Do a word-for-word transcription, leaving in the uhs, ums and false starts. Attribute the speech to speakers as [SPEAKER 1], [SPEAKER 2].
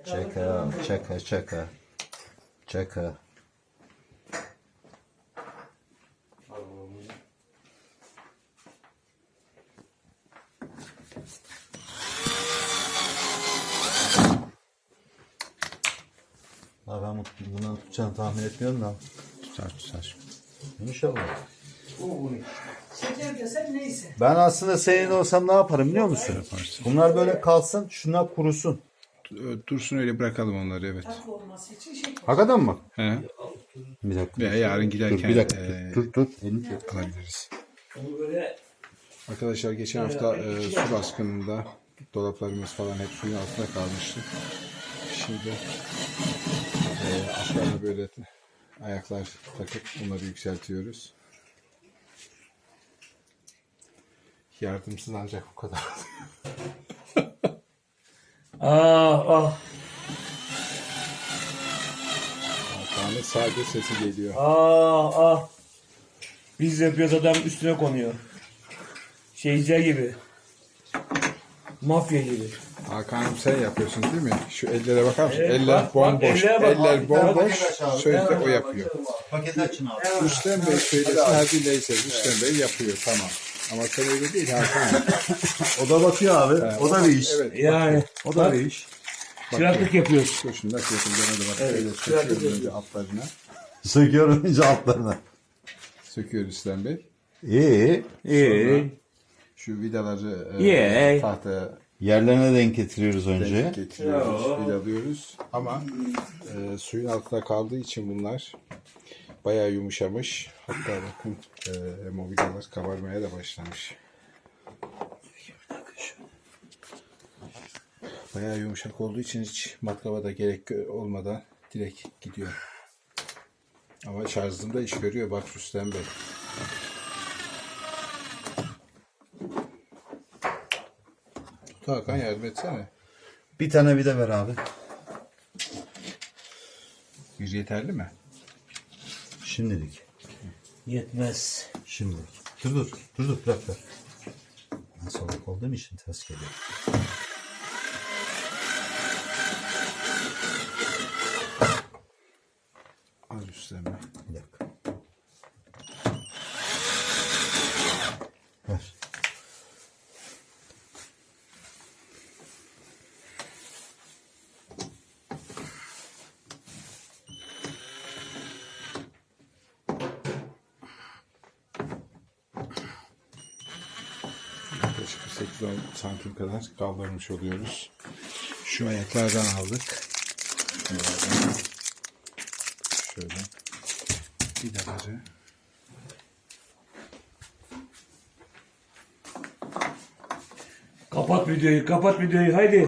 [SPEAKER 1] Çaka, çaka, çaka. Çaka. Ha ben bunu tutacağını tahmin etmiyorum da.
[SPEAKER 2] Tutar tutar.
[SPEAKER 1] İnşallah.
[SPEAKER 3] Şeker desen neyse.
[SPEAKER 1] Ben aslında senin olsam ne yaparım biliyor musun?
[SPEAKER 2] Yaparsın.
[SPEAKER 1] Bunlar böyle kalsın, şunlar kurusun.
[SPEAKER 2] Dursun öyle bırakalım onları, evet.
[SPEAKER 3] Tatlı olması için şeker.
[SPEAKER 1] Hakikaten mi?
[SPEAKER 2] He.
[SPEAKER 1] Bir dakika.
[SPEAKER 2] Veya yarın giderken
[SPEAKER 1] Dur bir dakika.
[SPEAKER 2] e,
[SPEAKER 1] dur dur. Elini tut.
[SPEAKER 2] alabiliriz.
[SPEAKER 3] Onu böyle
[SPEAKER 2] Arkadaşlar geçen hafta e, su baskınında dolaplarımız falan hep suyun altında kalmıştı. Şimdi e, altlarına böyle ayaklar takıp bunları yükseltiyoruz. Yardımsız ancak bu kadar.
[SPEAKER 3] ah ah
[SPEAKER 2] Hakan'ın sadece sesi geliyor.
[SPEAKER 3] ah ah. Biz yapıyoruz, adam üstüne konuyor. Şeyciler gibi. Mafya gibi.
[SPEAKER 2] Hakan'ım sen yapıyorsun değil mi? Şu ellere bakar mısın?
[SPEAKER 3] Evet,
[SPEAKER 2] Eller
[SPEAKER 3] bak, bak,
[SPEAKER 2] bomboş.
[SPEAKER 3] ellere bak.
[SPEAKER 2] Eller
[SPEAKER 3] Bak,
[SPEAKER 2] bomboş.
[SPEAKER 1] paket aç abi.
[SPEAKER 2] Sözde o yapıyor.
[SPEAKER 1] Paketi açın abi.
[SPEAKER 2] Rüstem Bey söylesin, hadi neyse. Rüstem Bey yapıyor, tamam. Ama sen öyle değil Hakan.
[SPEAKER 1] O da bakıyor abi. O da bir iş.
[SPEAKER 2] Evet.
[SPEAKER 3] Yani
[SPEAKER 1] O da bir iş.
[SPEAKER 3] çıraklık yapıyoruz.
[SPEAKER 2] Dur şimdi nasıl yapayım? Bana da bak.
[SPEAKER 3] Evet,
[SPEAKER 2] Öyle
[SPEAKER 3] şöyle
[SPEAKER 2] söküyoruz önce altlarına.
[SPEAKER 1] Söküyorum önce altlarına.
[SPEAKER 2] Söküyor Rüstem Bey.
[SPEAKER 1] İyi.
[SPEAKER 3] İyi.
[SPEAKER 2] Şu vidaları
[SPEAKER 3] Yeah.
[SPEAKER 2] e, tahtaya
[SPEAKER 1] Yerlerine denk getiriyoruz önce.
[SPEAKER 2] denk getiriyoruz,
[SPEAKER 3] Yo.
[SPEAKER 2] vidalıyoruz. Ama e, suyun altında kaldığı için bunlar bayağı yumuşamış. Hatta bakın e, hem o vidalar kabarmaya da başlamış. Bayağı yumuşak olduğu için hiç matkaba da gerek olmadan direkt gidiyor. Ama şarjında iş görüyor bak Rüstem Bey. Hakan yardım etsene.
[SPEAKER 1] Bir tane vida ver abi.
[SPEAKER 2] Bir yeterli mi?
[SPEAKER 1] Şimdilik.
[SPEAKER 3] Yetmez.
[SPEAKER 1] Şimdilik. Dur dur. Dur dur. Bırak bırak. Ben solak olduğum için ters geliyor.
[SPEAKER 2] Al Rüstem Bey.
[SPEAKER 1] Bir dakika. Ver.
[SPEAKER 2] Yaklaşık sekiz on santim kadar kaldırmış oluyoruz. Şu ayaklardan aldık. Bunlardan. Şöyle vidaları.
[SPEAKER 3] Kapat videoyu, kapat videoyu, haydi.